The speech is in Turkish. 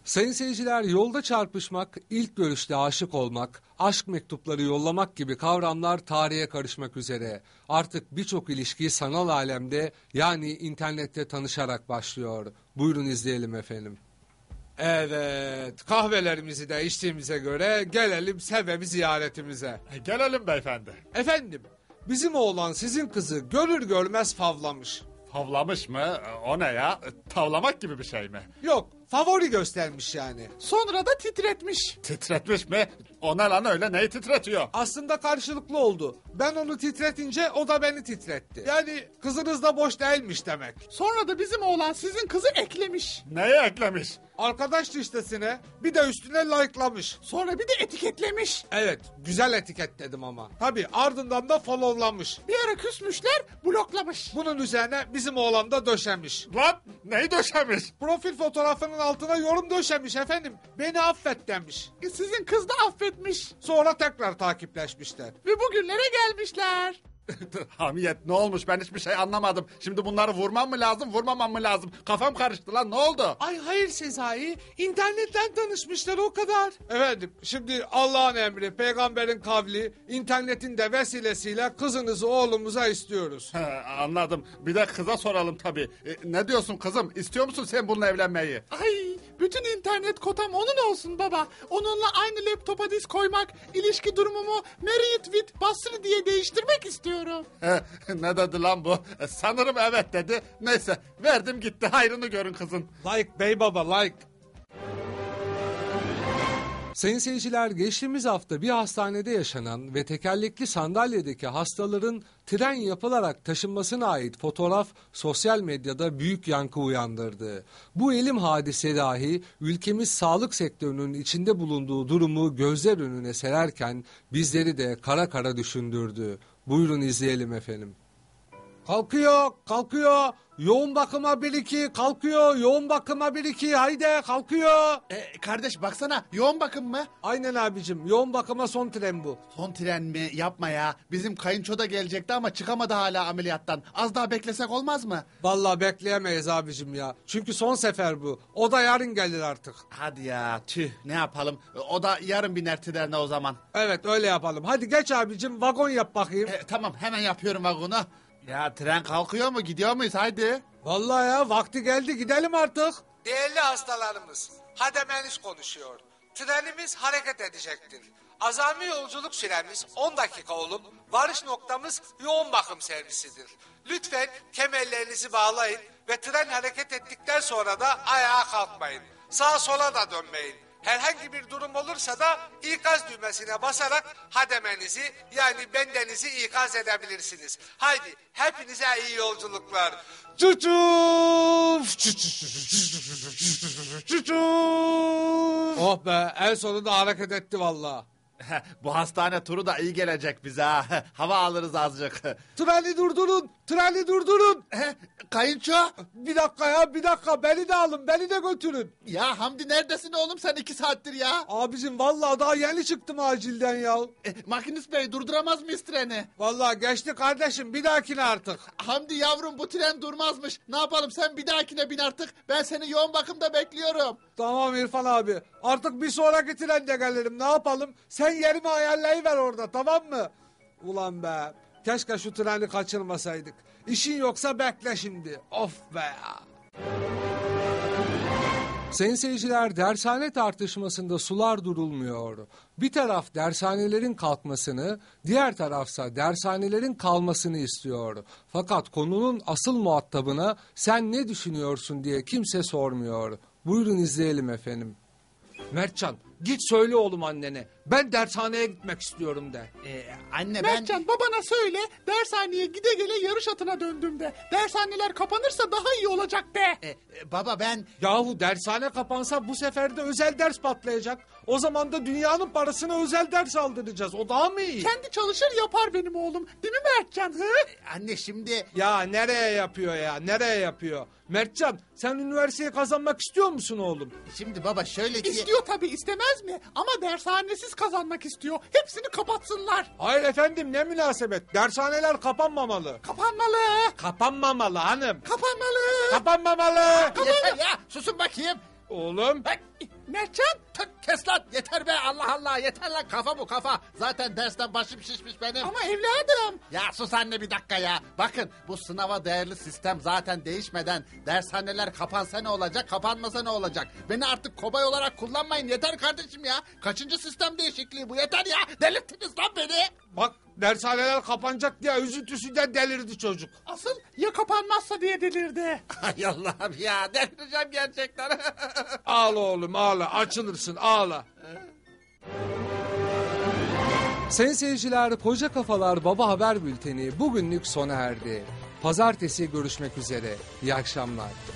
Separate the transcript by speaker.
Speaker 1: Sayın seyirciler, yolda çarpışmak, ilk görüşte aşık olmak, aşk mektupları yollamak gibi kavramlar tarihe karışmak üzere. Artık birçok ilişki sanal alemde, yani internette tanışarak başlıyor. Buyurun izleyelim efendim. Evet, kahvelerimizi de içtiğimize göre gelelim sebebi ziyaretimize.
Speaker 2: Gelelim beyefendi.
Speaker 1: Efendim, bizim oğlan sizin kızı görür görmez favlamış.
Speaker 2: Havlamış mı? O ne ya? Tavlamak gibi bir şey mi?
Speaker 1: Yok, favori göstermiş yani.
Speaker 3: Sonra da titretmiş.
Speaker 2: Titretmiş mi? O ne lan öyle, neyi titretiyor?
Speaker 1: Aslında karşılıklı oldu. Ben onu titretince o da beni titretti. Yani kızınız da boş değilmiş demek.
Speaker 3: Sonra da bizim oğlan sizin kızı eklemiş.
Speaker 2: Neyi eklemiş?
Speaker 1: Arkadaş listesine bir de üstüne like'lamış.
Speaker 3: Sonra bir de etiketlemiş.
Speaker 1: Evet, güzel etiketledim ama. Tabii ardından da follow'lamış.
Speaker 3: Bir ara küsmüşler, bloklamış.
Speaker 1: Bunun üzerine bizim oğlan da döşemiş.
Speaker 2: Lan neyi döşemiş?
Speaker 1: Profil fotoğrafının altına yorum döşemiş efendim. Beni affet demiş.
Speaker 3: Sizin kız da affetmiş.
Speaker 1: Sonra tekrar takipleşmişler.
Speaker 3: Ve bugünlere gelmişler.
Speaker 2: Hamiyet, ne olmuş, ben hiçbir şey anlamadım. Şimdi bunları vurmam mı lazım, vurmamam mı lazım? Kafam karıştı lan, ne oldu?
Speaker 1: Ay hayır Sezai, internetten tanışmışlar o kadar. Efendim, şimdi Allah'ın emri, peygamberin kavli, internetin de vesilesiyle kızınızı oğlumuza istiyoruz.
Speaker 2: Anladım. Bir de kıza soralım tabii. Ne diyorsun kızım? İstiyor musun sen bununla evlenmeyi?
Speaker 3: Ay, bütün internet kotam onun olsun baba. Onunla aynı laptopa disk koymak, ilişki durumumu Married with Basri diye değiştirmek istiyorum.
Speaker 2: Ne dedi lan bu? Sanırım evet dedi. Neyse, verdim gitti, hayrını görün kızın.
Speaker 1: Like bey baba, like. Sayın seyirciler, geçtiğimiz hafta bir hastanede yaşanan ve tekerlekli sandalyedeki hastaların tren yapılarak taşınmasına ait fotoğraf sosyal medyada büyük yankı uyandırdı. Bu elim hadise dahi ülkemiz sağlık sektörünün içinde bulunduğu durumu gözler önüne sererken bizleri de kara kara düşündürdü. Buyurun izleyelim efendim. Kalkıyor, kalkıyor. Yoğun bakıma 1-2, kalkıyor. Yoğun bakıma 1-2, haydi kalkıyor.
Speaker 4: Kardeş baksana, yoğun bakım mı?
Speaker 1: Aynen abicim, yoğun bakıma son tren bu.
Speaker 4: Son tren mi? Yapma ya. Bizim kayınço da gelecekti ama çıkamadı hala ameliyattan. Az daha beklesek olmaz mı?
Speaker 1: Vallahi bekleyemeyiz abicim ya. Çünkü son sefer bu. O da yarın gelir artık.
Speaker 4: Hadi ya, tüh, ne yapalım? O da yarın biner trene o zaman.
Speaker 1: Evet, öyle yapalım. Hadi geç abicim, vagon yap bakayım.
Speaker 4: Tamam, hemen yapıyorum vagonu. Ya tren kalkıyor mu? Gidiyor muyuz? Haydi.
Speaker 1: Vallahi ya, vakti geldi, gidelim artık. Değerli hastalarımız, hademeniz konuşuyor. Trenimiz hareket edecektir. Azami yolculuk süremiz 10 dakika olup varış noktamız yoğun bakım servisidir. Lütfen kemerlerinizi bağlayın ve tren hareket ettikten sonra da ayağa kalkmayın. Sağa sola da dönmeyin. Herhangi bir durum olursa da ikaz düğmesine basarak hademenizi, yani bendenizi ikaz edebilirsiniz. Haydi hepinize iyi yolculuklar. Çuçuf! Çuçuf! Oh be, en sonunda hareket etti vallahi.
Speaker 4: Bu hastane turu da iyi gelecek bize ha. Hava alırız azıcık.
Speaker 1: Treni durdurun, treni durdurun.
Speaker 4: Kayınço.
Speaker 1: Bir dakika ya, bir dakika, beni de alın, beni de götürün.
Speaker 4: Ya Hamdi, neredesin oğlum sen 2 saattir ya?
Speaker 1: Abicim vallahi daha yeni çıktım acilden ya.
Speaker 4: Makinist bey, durduramaz mıyız treni?
Speaker 1: Vallahi geçti kardeşim, bir dahakine artık.
Speaker 4: Hamdi yavrum, bu tren durmazmış. Ne yapalım, sen bir dahakine bin artık. Ben seni yoğun bakımda bekliyorum.
Speaker 1: Tamam İrfan abi, artık bir sonraki trende gelirim, ne yapalım? Sen yerimi ayarlayıver orada, tamam mı? Ulan be, keşke şu treni kaçırmasaydık. İşin yoksa bekle şimdi. Of be ya. Sayın seyirciler, dershane tartışmasında sular durulmuyor. Bir taraf dershanelerin kalkmasını, diğer tarafsa dershanelerin kalmasını istiyor. Fakat konunun asıl muhatabına sen ne düşünüyorsun diye kimse sormuyor. Buyurun izleyelim efendim. Mertcan, git söyle oğlum annene. Ben dershaneye gitmek istiyorum de.
Speaker 4: Anne
Speaker 3: Mertcan, babana söyle, dershaneye gide gele yarış atına döndüm de. Dershaneler kapanırsa daha iyi olacak de.
Speaker 4: Baba ben...
Speaker 1: Yahu dershane kapansa bu sefer de özel ders patlayacak. O zaman da dünyanın parasına özel ders aldıracağız. O daha mı iyi?
Speaker 3: Kendi çalışır yapar benim oğlum. Değil mi Mertcan? Hı?
Speaker 4: Anne şimdi...
Speaker 1: Ya nereye yapıyor ya? Nereye yapıyor? Mertcan, sen üniversiteyi kazanmak istiyor musun oğlum?
Speaker 4: Şimdi baba şöyle ki...
Speaker 3: İstiyor tabii, istemez mi? Ama dershanesiz kazanmak istiyor. Hepsini kapatsınlar.
Speaker 1: Hayır efendim, ne münasebet. Dershaneler kapanmamalı.
Speaker 3: Kapanmalı.
Speaker 1: Kapanmamalı hanım.
Speaker 3: Kapanmalı.
Speaker 1: Kapanmamalı.
Speaker 4: Yeter ya, susun bakayım.
Speaker 1: Oğlum.
Speaker 4: Bak,
Speaker 3: Mertcan.
Speaker 2: Tık, kes lan yeter be, Allah Allah, yeter lan, kafa bu kafa. Zaten dersten başım şişmiş benim.
Speaker 3: Ama evladım.
Speaker 2: Ya sus anne bir dakika ya. Bakın bu sınava değerli sistem zaten değişmeden dershaneler kapansa ne olacak, kapanmasa ne olacak? Beni artık kobay olarak kullanmayın, yeter kardeşim ya. Kaçıncı sistem değişikliği bu, yeter ya. Delirttiniz lan beni.
Speaker 1: Bak dershaneler kapanacak diye üzüntüsünden delirdi çocuk.
Speaker 3: Asıl ya kapanmazsa diye delirdi.
Speaker 2: Hay Allah'ım ya, delireceğim gerçekten.
Speaker 1: Ağla oğlum ağla, açılırsın ağla. Sayın seyirciler, Koca Kafalar Baba Haber Bülteni bugünlük sona erdi. Pazartesi görüşmek üzere. İyi akşamlar.